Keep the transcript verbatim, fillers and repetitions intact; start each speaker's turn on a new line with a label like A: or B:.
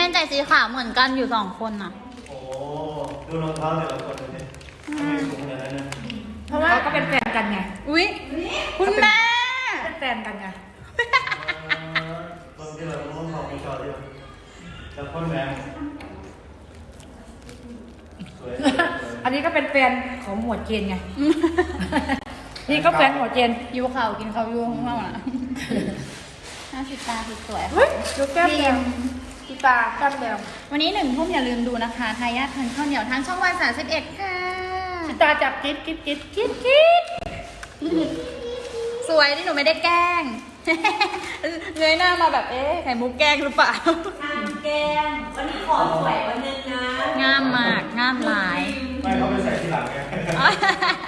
A: นใส่สีขาวเหมือนกันอยู่สองคนน่ะ
B: โอ้ดูรองเท้าแต่ละคนดูสิทำไมสูงขนาดนั้นนะ
C: เพราะว่าก็เป็นแฟนกันไง
A: อุ๊ยคุณแม่
C: เป็นแฟนกันไง
B: คนที่เรารู้ของผู้ชายที่แล้วคนแม่สวย
C: อันนี้ก็เป็นแฟนของหมวดเจนไงนี่ก็แฟนหมวดเจน
A: ยูเขากินเขายูข้างนอกน่ะหน้าสีตาสวย
C: เฮ้ยดูแก้มแดงสีตาแก้มแดง
A: วันนี้หนึ่งทุ่มอย่าลืมดูนะคะทายาทพันข้าวเหนียวทางช่องวันสามสิบเอ็ดค่ะ
C: สีตาจับกิ๊ดกิ๊ดกิ๊ดกิ๊ดกิ๊ด
A: สวยที่หนูไม่ได้แกล้งเงยหน้ามาแบบเอ๊ะไข่มุกแกล้งหรือเปล่า
C: แกงวันนี้ขอสวยวันนึงนะ
A: งามมากงามหลาย
B: ไม่เขาไปใส่ที่หลังไง